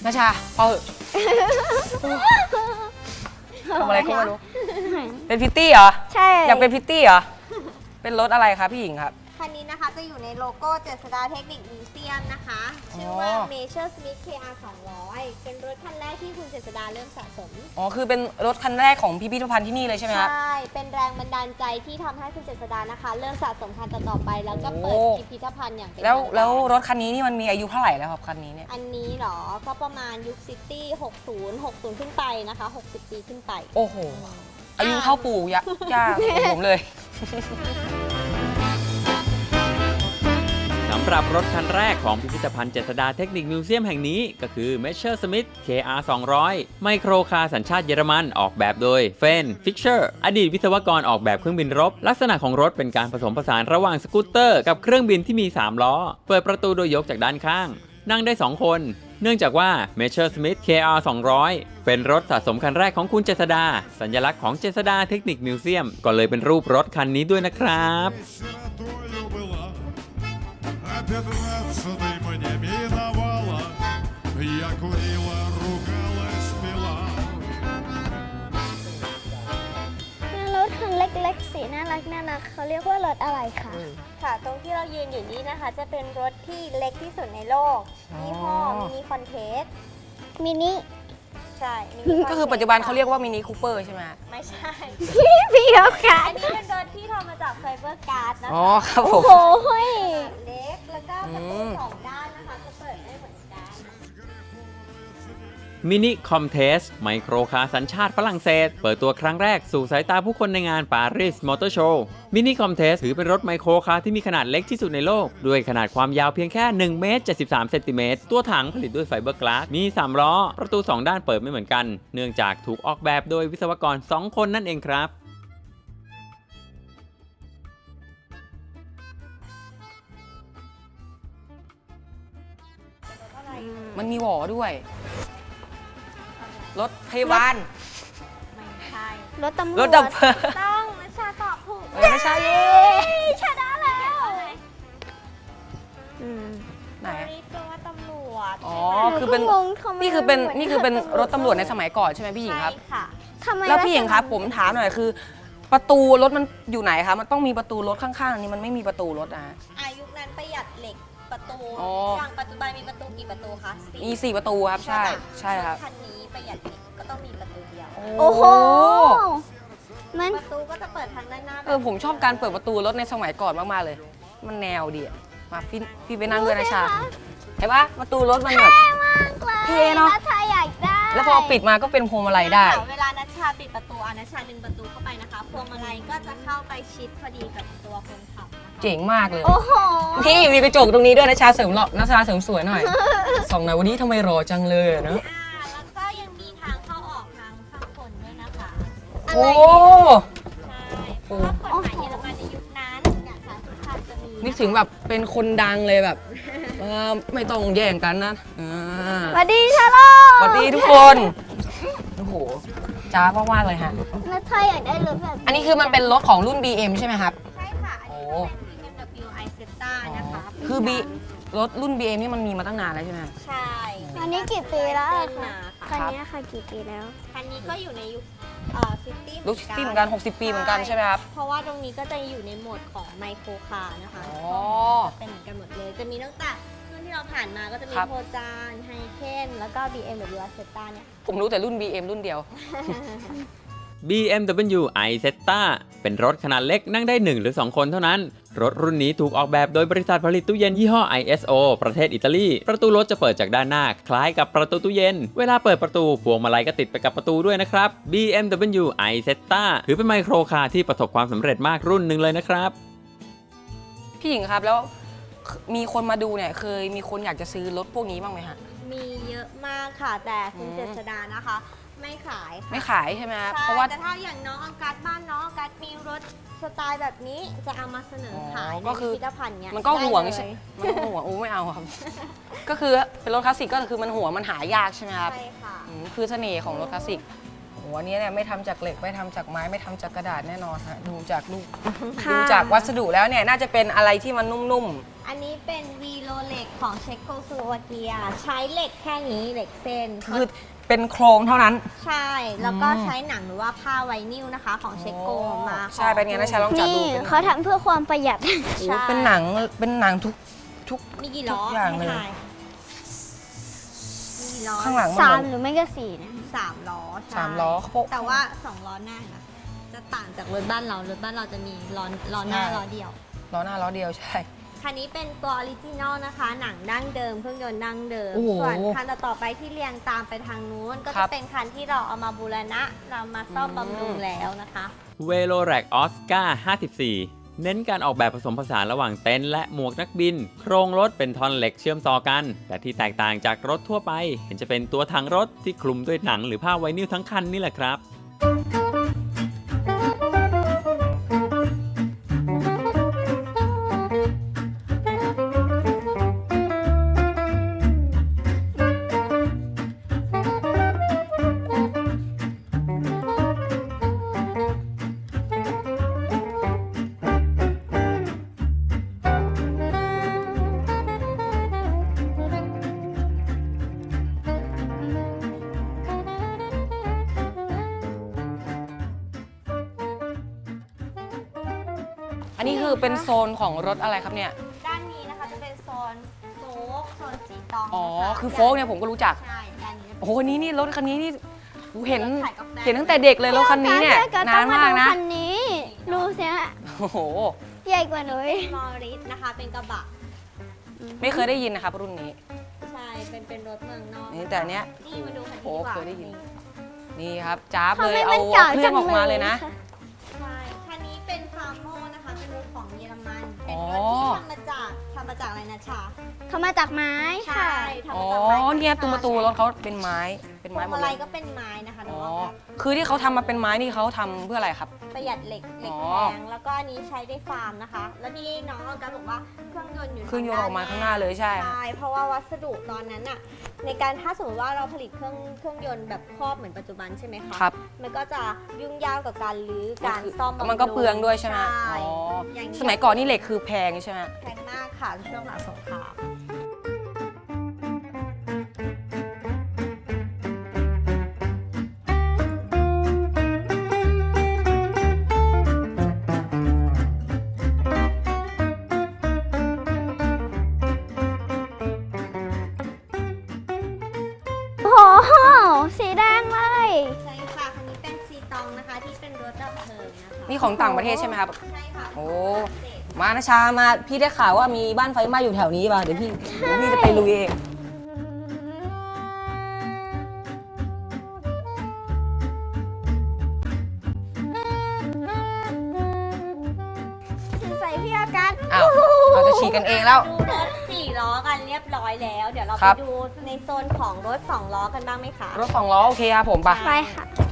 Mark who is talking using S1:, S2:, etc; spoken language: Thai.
S1: นาชาพอเหอะทำอะไรก็ไม่รู้เป็นพิตตี้เหรอ
S2: ใช่
S1: อยากเป็นพิตตี้เหรอเป็นรถอะไรครับพี่หญิงครับ
S3: คันนี้นะคะจะอยู่ในโลโก้เจษฎาเทคนิคมิวเซียมนะคะ ชื่อว่า Measure Smith KR 200 เป็นรถคันแรกที่คุณเจษฎาเริ่มสะสม
S1: อ๋อคือเป็นรถคันแรกของพิพิธภัณฑ์ที่นี่เลยใช่ไหมครับ
S3: ใช่ เป็นแรงบันดาลใจที่ทำให้คุณเจษฎานะคะ เริ่มสะสมคันต่อๆไป แล้วก็เปิด
S1: โอ้
S3: พิพิธภัณฑ์อย่างเป็น
S1: แล้ว
S3: ทางการ
S1: แล้วรถคันนี้นี่มันมีอายุเท่าไหร่แล้วครับคันนี้เนี่ย
S3: อันนี้เหรอ ก็ประมาณยุคซิตี้ 60 ขึ้นไปนะคะ 60 ปีขึ้นไป
S1: โอ้โหอายุเท่าปู่ย่าของผมเลย
S4: สำหรับรถคันแรกของพิพิธภัณฑ์เจษฎาเทคนิคมิวเซียมแห่งนี้ก็คือ Messer Smith KR 200 ไมโครคาร์สัญชาติเยอรมันออกแบบโดยเฟนฟิกเชอร์อดีตวิศวกรออกแบบเครื่องบินรบ ลักษณะของรถเป็นการผสมผสานระหว่างสกูตเตอร์กับเครื่องบินที่มี 3 ล้อ เปิดประตูโดยยกจากด้านข้าง นั่งได้ 2 คน เนื่องจากว่า Messer Smith KR 200 เป็นรถสะสมคันแรกของคุณเจษฎาสัญลักษณ์ของเจษฎาเทคนิคมิวเซียมก็เลยเป็นรูปรถคันนี้ด้วยนะครับ
S5: 15-й мне миновала, я курила, ругалась, пила.
S2: รถคันเล็กๆสีน่ารักเขาเรียกว่ารถอะไรคะ
S3: ค่ะ ตรงที่เรายืนอยู่นี้นะคะ จะเป็นรถที่เล็กที่สุดในโลก ยี่ห้อมินิคอนเทส
S2: มินิ
S3: ใช่ Mini
S1: ก็คือปัจจุบันเขาเรียกว่ามินิคูเปอร์ใช่ไหมฮะ
S3: ไม่ใช่
S2: พี่เขาค่ะ
S3: อันนี้เป็นรถที่ทำมาจากไฟเบอร์การ์ดนะ
S1: อ๋อ
S3: คะ
S1: ครับผ
S2: โอ้
S1: ม
S2: โหเฮ้ย
S3: เล็ก แล้วก็ประตูสองด้านนะคะจะเปิดได้เหมือนกัน
S4: มินิคอมเทสไมโครคาร์สัญชาติฝรั่งเศส เปิดตัวครั้งแรกสู่สายตาผู้คนในงานปารีสมอเตอร์โชว์มินิคอมเทสถือเป็นรถไมโครคาร์ที่มีขนาดเล็กที่สุดในโลก ด้วยขนาดความยาวเพียงแค่1เมตร73เซนติเมตรตัวถังผลิตด้วยไฟเบอร์กลาสมี 3 ล้อ ประตู 2 ด้านเปิดไม่เหมือนกัน เนื่องจากถูกออกแบบโดยวิศวกร 2 คนนั่นเองครับ
S1: มันมีหวอด้วย รถพยาบาล
S3: ไม่ใช่
S2: รถตำรวจ
S1: รถดับเพลิง
S3: ต้องนัชชาตอบถูก
S1: ไม่ใช่เย้
S3: ชนะแล้ว
S2: อืม
S1: ไหน
S3: อันนี้ตัวว่าตำรวจ
S1: อ๋อคือเป็น
S2: หก็งงทำไม
S1: นี่คือเป็น
S2: มัหมื
S1: นี่คือเป็นรถตำรวจในสมัยก่อนใช่ไหมพี่หญิง
S3: ใช่
S1: ครับ
S3: ค่ะ
S2: ทำไม
S1: แล้วพี่หญิงครับ
S2: ลักษณะ
S1: ผมถามหน่อยคือ ประตูรถมันอยู่ไหนคะมันต้องมีประตูรถข้างๆนี้มันไม่มีประตูรถนะ
S3: อายุนั้นประหยัดเหล็กประตู
S1: อ๋อ
S3: อย่างปัจจุบันมีประตูกี่ประตูคะ
S1: มี4ประตูครับใช่
S3: ปะ
S1: ใช่ครับ
S3: ถคันนี้ประหยัดเหล็กก็ต้องมีประตูเดียว
S2: โอ้โหมัน
S3: ประตูก็จะเปิดทางด้านหน้า
S1: ผมชอบการเปิดประตูรถในสมัยก่อนมากๆเลย มันแนวดีอะมาพี่ไปนั่งด้วยนะชาเห็นปะประตูรถมันแบบ
S2: มากเลย
S1: เท่เนอะ
S2: นัชชาอยากได้
S1: แล้วพอปิดมาก็เป็นพวงมาลัยได้
S3: เวลานัชชาปิดประตูนัชชาดึงประตูเข้าไปนะคะพวงมาลัยก็จะเข้าไปชิดพอดีกับตัวคนขับนะคะ
S1: เจ๋งมากเลย
S2: โอ้โห
S1: พี่มีกระจกตรงนี้ด้วยนะชาเสริมหล่อนะชาเสริมสวยหน่อย ส่องหน่อยวันนี้ทำไมรอจังเลยอะเนอะ
S3: แล้วก็ยังมีทางเข้าออกทางข้างบนด้วยนะคะ
S1: โอ้
S3: ใช่เพราะว่ากฎหมายเยอรมันในยุคนั้นอย่างสารสุขภาพจะมี
S1: นึกถึงแบบเป็นคนดังเลยแบบไม่ต้องแย่งกันนะ
S2: สวัสดีชาโล
S1: สวัสดีทุกคนโอ้โหจ้ามากๆเลยฮะ
S2: นัชชาอยากได้รถแบบ
S1: อันนี้คือมันเป็นรถของรุ่น BM ใช่ไหมครับ
S3: ใช่ค่ะ อันนี้จะเป็น BMW i Zeta นะคะ
S1: คือรถรุ่น BM นี่มันมีมาตั้งนานแล้วใช่ไหม
S3: ใช่
S2: อันนี้กี่ปีแล้ว
S3: เส้น
S2: คะ
S3: มา
S2: คั
S3: ค่ะ
S2: นนี้ค่ะกี่ปีแล้ว
S3: คันนี้ก็อยู่ในยุคซิตี้
S1: รุ่นซิตี้เหมือนกัน60 ปีเหมือนกันใช่ไหมครับ
S3: เพราะว่าตรงนี้ก็จะอยู่ในโหมดของไมโครคาร์นะคะ
S1: อ๋อ
S3: จะเป็นเหมือนกันหมดเลย จะมีตั้งแต่รุ่นที่เราผ่านมาก็จะมี
S1: ครับ
S3: โพจานไฮเคนแล้วก็ BMW i Zeta เนี่ย
S1: ผมรู้แต่รุ่น BM รุ่นเดียว
S4: BMW iZeta เป็นรถขนาดเล็กนั่งได้ 1 หรือ 2 คนเท่านั้น รถรุ่นนี้ถูกออกแบบโดยบริษัทผลิตตู้เย็นยี่ห้อ ISO ประเทศอิตาลี ประตูรถจะเปิดจากด้านหน้าคล้ายกับประตูตู้เย็น เวลาเปิดประตูพวงมาลัยก็ติดไปกับประตูด้วยนะครับ BMW iZeta ถือเป็นไมโครคาร์ที่ประสบความสำเร็จมากรุ่นหนึ่งเลยนะครับ
S1: พี่หญิงครับแล้วมีคนมาดูเนี่ยเคยมีคนอยากจะซื้อรถพวกนี้บ้างไหมฮะ
S3: มีเยอะมากค่ะ แต่คุณ
S1: อืม
S3: เจษดานะคะ ไม่ขายค่ะ
S1: ไม่ขายใช่ไหมครับ
S3: ใช่
S1: เพราะว่า
S3: แต่ถ้าอย่างน้องออกัสบ้านน้องออกัสมีรถสไตล์แบบนี้จะเอามาเสนอขาย
S1: อ๋อ
S3: ใน
S1: ก็คือ
S3: พิพิธภัณฑ์เนี้ย
S1: มันก็ห่วง
S3: ได้
S1: ใช่
S3: เลย
S1: มันก็ห่วงไม่เอาครับ ก็คือเป็นรถคลาสสิกก็คือมันหัวมันหายากใช่ไหมครับ
S3: ใช่ค่ะ
S1: คือเสน่ห์ของรถคลาสสิกโอ้โหอันนี้เนี่ยไม่ทำจากเหล็กไม่ทำจากไม้ไม่ทำจากกระดาษแน่นอนฮะดูจากลูกดูจากวัสดุแล้วเนี่ยน่าจะเป็นอะไรที่มันนุ่ม
S3: อันนี้เป็นวีโรเล็กของเช็กโกสโลวาเกีย ใช้เหล็กแค่นี้เหล็กเส้น
S1: คือเป็นโครงเท่านั้น
S3: ใช่ แล้วก็ใช้หนังหรือว่าผ้าไวนิลนะคะ ของเช็กโกมา
S1: ใช่เป็นไงนะชาลองจับ
S2: นี่
S1: ดูเป็น
S2: เขาทำเพื่อความประหยัด
S1: โอ้เป็นหนังทุก
S3: มีกี่ล้อ
S1: ทุกอย่างเลย
S3: ให้ทมีกี่ล้อ
S1: ข้างหลังมัน
S2: สา
S1: เห
S2: ม
S1: มือน
S2: หรือไม่ก็สี่นะ
S3: 3 ล้อใช่
S1: 3 ล้อเขา
S3: แต่ว่า 2 ล้อหน้านะจะต่างจากรถบ้านเรา รถบ้านเราจะมีล้อหน้าล้อเดียว
S1: ล้อหน้าล้อเดียวใช่
S3: คันนี้เป็นตัวออริจินอลนะคะ หนังดั้งเดิมเครื่องยนต์ดั้งเดิม
S1: โอ้โห
S3: ส่วนคันต่อๆไปที่เรียงตามไปทางนู้น ก็
S1: ครั
S3: จะ
S1: บ
S3: เป็นคันที่เราเอามาบูรณะ เรามาซ่อมบำรุงแล้วนะคะ
S4: เวโ o แร็กออสการ์54 เน้นการออกแบบผสมผสานระหว่างเต็นท์และหมวกนักบิน โครงรถเป็นท่อนเหล็กเชื่อมต่อกัน แต่ที่แตกต่างจากรถทั่วไป เห็นจะเป็นตัวถังรถที่คลุมด้วยหนังหรือผ้าไวนิลทั้งคันนี่แหละครับ
S1: อันนี้คือเป็นโซนของรถอะไรครับเนี่ย
S3: ด้านนี้นะคะจะเป็นโซนโฟกโซนสีตอง
S1: อ๋อ
S3: นะะ
S1: คือโฟกเนี่ยผมก็รู้จัก
S3: ใช่ด้านนี้จะเป็น
S1: โอ้โหนี่รถคันนี้นี่กูเห็น
S3: รถขายกาแฟ
S1: เห็นตั้งแต่เด็กเลยรถคันนี้เนี่ย
S2: ก็
S1: นานมากนะ
S2: คันนี้ดูสิฮะ
S1: โอ้โห
S2: ใหญ่กว่าหนู
S3: มอริสนะคะเป็นกระบะ
S1: ไม่เคยได้ยินนะครับรุ่นนี้
S3: ใช่เป็นรถเมืองนอก
S1: นี่แต่อันเนี้ย
S3: นี่มาดูคัน
S1: โอ้
S3: นี้ดีกว่า
S1: เคยได้ยิน นี่ครับจ้าบ
S2: ทำ
S1: เล
S2: ไม
S1: ย
S2: มั
S1: เอา
S2: นเก่า
S1: เครื่
S2: จั
S1: อง
S2: ง
S1: ออกมาเลยนะ
S3: ใช่คันนี้เป็นฟาร์โมนะคะเป็นรถของเยอรมัน
S1: อ๋
S3: เป็น
S1: อ
S3: รถที่ทำมาจากอะไรนะชา
S2: เขามาจากไม้ค่ะ
S3: ทำ
S1: อ๋อ
S3: มาจากไม้
S1: เนี่ยประตูรถเขาเป็นไม้เป็น
S3: พว
S1: ไม้
S3: ง
S1: หมด
S3: มา
S1: เล
S3: ลัย
S1: ย
S3: ก็เป็นไม้นะคะ
S1: อ๋
S3: น้
S1: อ
S3: อง
S1: คือที่เขาทำมาเป็นไม้นี่เขาทำเพื่ออะไรครับ
S3: ประหยัดเหล็ก
S1: อ๋อ
S3: แพงแล้วก็อันนี้ใช้ได้ฟาร์มนะคะ แล้วที่น้องออกัสบอกว่าเครื่องยนต์อยู่
S1: เครื่องยนต์ออกมาข้างหน้าเลยใช่
S3: ใช่เพราะว่าวัสดุตอนนั้นอะในการถ้าสมมติว่าเราผลิตเครื่องยนต์แบบครอบเหมือนปัจจุบันใช่ไหมคะ
S1: ครับ
S3: มันก็จะยุ่งยากกับการรื้อการซ่อมบำรุง
S1: มันก็เปลืองด้วยใช่ไหม
S3: ใช่
S1: อ๋อ
S3: อย่างนี้
S1: สมัยก่อนนี่เหล็กคือแพงใช่ไหม
S3: แพงมากค่ะช่วงหลังสงคราม
S2: โอ้โห สีแดงเลย
S3: ใช่ค่ะคันนี้เป็นซีตองนะคะที่เป็นรถดับเพลิงนะคะ
S1: นี่ของต่างประเทศใช่ไหมครับ
S3: ใช่ค่ะ
S1: โอ้ มานะชามาพี่ได้ข่าวว่ามีบ้านไฟไหม้อยู่แถวนี้ป่ะเดี๋ยวพี่จะไปลุยเอง
S2: ใส่พี่อากัส
S1: อ้าวเราจะฉีกกันเองแล้ว
S3: ดูรถ4 ล้อกันเรียบร้อยแล้ว เดี๋ยวเรา
S1: ค
S3: ไป
S1: รับ
S3: ดูในโซนของรถ2 ล้อกันบ้างไหมคะ
S1: รถ2 ล้อโอเคครับผมไป
S2: ไปค่ะ